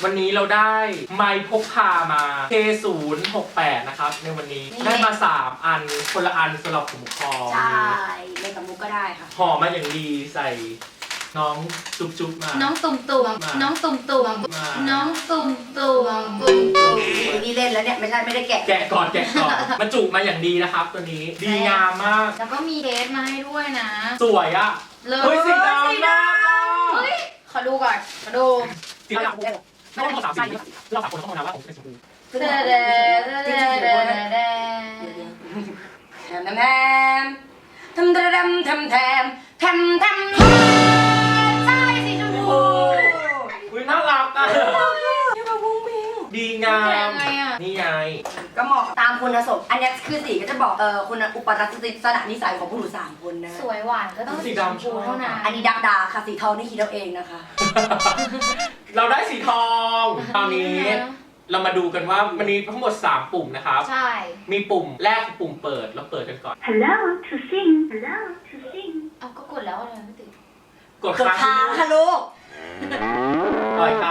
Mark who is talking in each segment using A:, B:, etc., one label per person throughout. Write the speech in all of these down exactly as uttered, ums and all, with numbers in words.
A: วันนี้เราได้ไมค์พกพามา เค ศูนย์หกแปด นะครับในวันนี้ได้มาสามอันคนละอันสำหรับผมคอ
B: ใช่เล่นกับมุกก็ได้ค่ะ
A: ห่อมาอย่างดีใส่น้องจุ๊บจุ๊บมา
C: น้องตุ่มตุ่ม
A: มา
C: น้องตุ่มตุ่ม
A: มา
C: น้องตุ่มตุ่มตุ่มตุ่ม
B: นี่เล่นแล้วเนี่ยไม่ใช่ไม่ได้แกะ
A: แกะก่อนแกะก่อนมันจุมาอย่างดีนะครับ ตัวนี้ดีงามมาก
C: แล้วก็มีเคสมาให้ด้วยนะ
A: สวยอ่ะ
C: เลย
A: เฮ้ยสีดำ
B: สีดำ
C: เฮ้ยขอดูก่อนขอดู
A: สีดำไม่ต้องสามสีเราสามคนต้องมองนะว่าผมเป็นชมพู
C: เดเดเดเดเดเด
B: แทมแทมทำทำทำทำทำทำใช่สีชมพู
A: อุ้ยน่ารักอ่ะ
B: นี่มาวุ้งวิง
A: ดีงาม นี่ไง
B: ก็เหมาะตามคุณสมบัติอันนี้คือสีก็จะบอกเออคุณอุปรัตติสนะนิสัยของผู้หญิงสามคนนะ
C: สวยหวานก็ต้องสีชมพูเท่านั้น
B: อันนี้ดักดาค่ะสีทองนี่คิดเอาเองนะคะ
A: เราได้สีทองตอนนี้เรามาดูกันว่ามันมีทั้งหมดสามปุ่มนะครับ
C: ใช่
A: มีปุ่มแรกคือปุ่มเปิดเราเปิดกันก่อน
D: Hello to sing. Hello to sing.
C: เอาก็กดแล้วอะไรไม่ติด
A: กด
B: กด
A: ค้าง
B: ค้างค่ะลูก
A: ต่อยค่ะ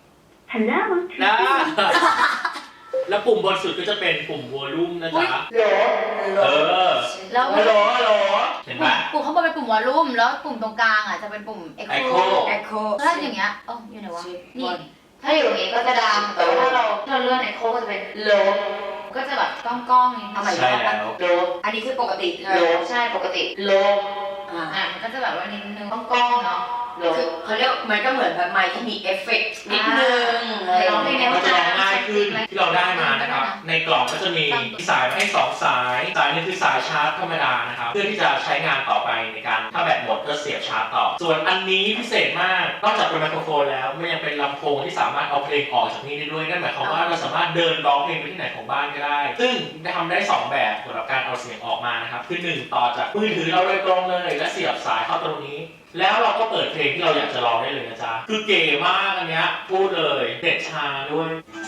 D: Hello to
A: นะ
D: sing.
A: แล้วปุ่มบนสุดก็จะเป็นปุ่มวอลลุ่มนะจ๊ะเออ
C: แล้ว
A: ฮัลโหลฮัลโหลเห็นไหม
C: ปุ่มข้างบนเป็นปุ่มวอลลุ่มแล้วปุ่มตรงกลางอ่ะจะเป็นปุ่ม Echo
A: Echo
B: แอคโค
C: ถ้าอย่างเงี้ยอ๋ออยู่ไหนวะนี่ถ้าอยู่อย่างงี้ก็จะดังแต่ว่าถ้าเราถ้าเราเลื่อน Echo ก็จะเป็นโลก็จะแบบก้องๆนิดนึง
A: ใช่แล้ว
C: โล
B: อันนี้คือปกติ
C: โลใช่ปกติโล
B: อ่า
C: อ่ะมันก็จะแบบว่านิดนึงก้องๆเนาะโล
B: คือเขาเรียกมันก็เหมือนแบบไมค์ที่มีเอฟเฟกต์นิดนึง
C: ร้องเพลงใน
A: ก็จะร้องง่ายขึ้นที่เราได้มานะครับ ในกล่องก็จะมีสายมาให้สองสาย สายหนึงคือสายชาร์จธรรมดานะครับ เพื่อที่จะใช้งานต่อไปในการถ้าแบตหมดก็เสียบชาร์จต่อ ส่วนอันนี้พิเศษมาก นอกจากเป็นไมโครโฟนแล้วมันยังเป็นลำโพงที่สามารถเอาเพลงออกจากนี่ได้ด้วย นั่นหมายความว่าเราสามารถเดินร้องเพลงไปที่ไหนของบ้านก็ได้ ซึ่งทำได้สองแบบสำหรับการเอาเสียงออกมานะครับ คือหนึ่งต่อจากมือถือเราโดยตรงเลย และเสียบสายเข้าตรงนี้ แล้วเราก็เปิดเพลงที่เราอยากจะร้องได้เลยนะจ๊ะ คือเก๋มากอันเนี้ยพูดเลยเด็ดชาด้วย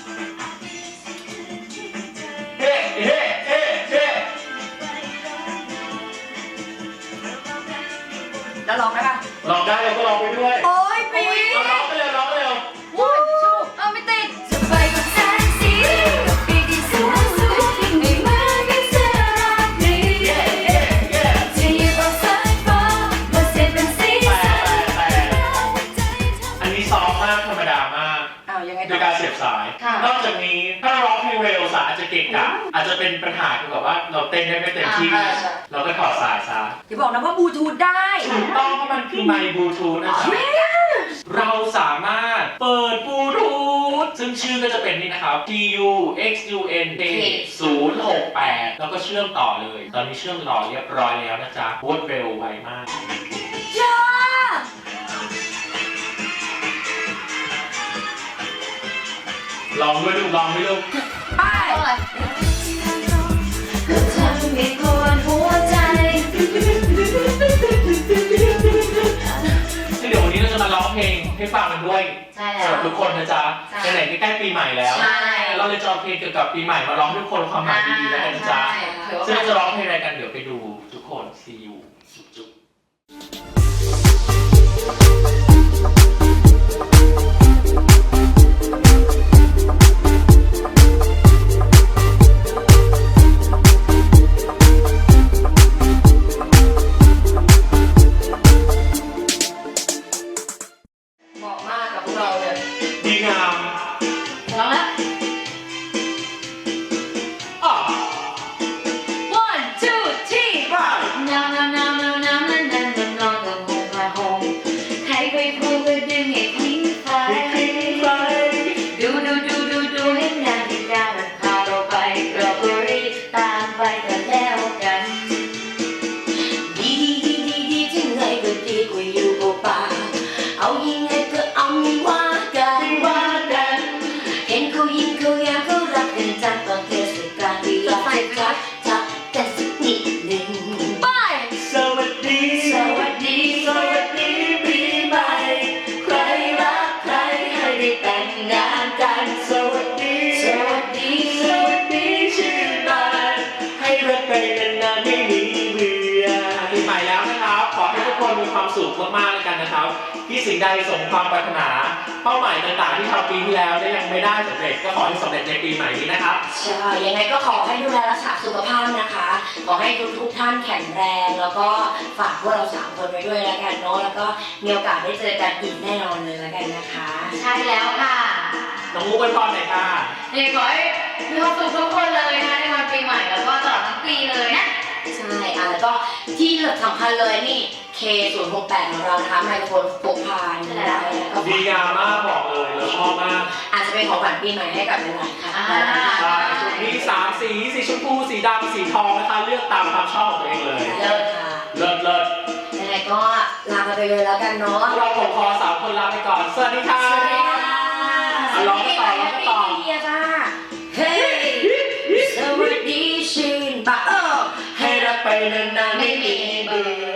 A: เฮ้เฮ้เฮ้เฮ้
B: แล้วร้องได้ปะ
A: ร้องได้เราก็ร้องไปด้วย
B: โอ้ยปี
A: เอาร้องไปเร็วร้องไปเร็ว
C: วู้ชูเอาไม่ติด
D: จะไปกับแสงสีกับปีกที่สวยสวยไม่เหมือนกับเสื้อราตรีจะหยิบเอาสายฟ้ามาเสียบเป็นสี
A: แต่
D: สัน
A: แต่อันนี้ซอฟต์มากธรรมดามาก
B: อ้าวยังไง
A: โด
B: ต่อย
A: การเสียบสาย นอกจากนี้ถ้าเราร้องเพลงเร็วสายอาจจะเกะกะอาจจะเป็นปัญหาเกี่ยวกับว่าเราเต้นได้ไม่เต็มที่ เราก็ถอดสายซะ
B: อย่าบอกนะว่าบลูทูธได้
A: ถูกต้องเพราะมันคือไมค์บลูทูธนะจ๊ะเราสามารถเปิดบลูทูธซึ่งชื่อก็จะเป็นนี่นะครับ T U X U N K ศูนย์หกแปดแล้วก็เชื่อมต่อเลย ตอนนี้เชื่อมต่อเรียบร้อยแล้วนะจ๊ะรวดเร็วไวมาก
B: จ้า
A: ลองด้วยลูกลองด้วยลูก
B: ไป
C: เอาอะไร
D: ก็ทำให้ปวดหัวใจ
A: เดี๋ยววันนี้เราจะมาร้องเพลงให้ฟังกันด้วย
C: ใช่
A: สำห
C: แล้
A: รั
C: ว
A: บทุกคนนะจ๊ะ
C: ใช่
A: ไหนๆใกล้ๆปีใหม่แล้ว
C: ใช่
A: เราเลยจะเอาเพลงเกี่ยวกับปีใหม่มาร้องให้ทุกคนความหมายดีๆแล้วกันนะจ๊ะ
C: ใช่ถือว่า
A: ซึ่งเราจะร้องเพลงอะไรกันเดี๋ยวไปดูทุกคน see you จุ๊บ
B: เหมาะมากกับพวกเราเลย
A: ดีงาม
C: ร้องแล้ว
A: อ่ะ
C: one two three
A: ไป
C: now now
A: สุขมากๆเลยกันนะครับที่สิ่งใดสมความปรารถนาเป้าหมายต่างๆที่ทำปีที่แล้วได้ยังไม่ได้สำเร็จก็ขอให้สำเร็จในปีใหม่นี้นะครับ
B: ใช่ยังไงก็ขอให้ดูแลรักษาสุขภาพนะคะ ขอให้ทุกทุกๆท่านแข็งแรง แล้วก็ฝากพวกเราสามคนไว้ด้วยแล้วกันเนาะ แล้วก็มีโอกาสได้เจอกันอีกแน่นอนเลยแล้วกันนะคะ
C: ใช่แล้วค่ะ
A: น้องมุกอวยพรหน่อยค่ะ
C: เนี่ยขอให้มีความสุขทุกคนเลยนะคะในวันปีใหม่แล้วก็ตลอดทั้งปีเลยนะ
B: ใช่อ่ะแล้วก็ที่สำคัญเลยนี่ เค ศูนย์หกแปด ของเรานะคะไมโครโฟนพกพาได้แล้วก็
A: ดีงามมากบอกเลยเราชอบมาก
B: อาจจะเป็นของขวัญปีใหม่ให้กับหลายๆค่ะ
C: อ่า
A: ใช่มีสามสีสีชมพูสีดำสีทองนะคะเลือกตามความชอบของตัวเองเลย
B: เลิศค่ะ
A: เลิศเลิศ
B: ยังไงก็ลาไปเลยแล้วกันเนาะ
A: เราผมขอสามคนลาไปก่อนสวัสดีค่ะ
B: สวัสดีค่ะ
A: อ่ะร้องกันต่อร้องกันต่อ
B: สวัสดีจ้าเฮ้ยสวัสดีชื่นบะเออให้รักไปนานๆไม่มีเบื่อ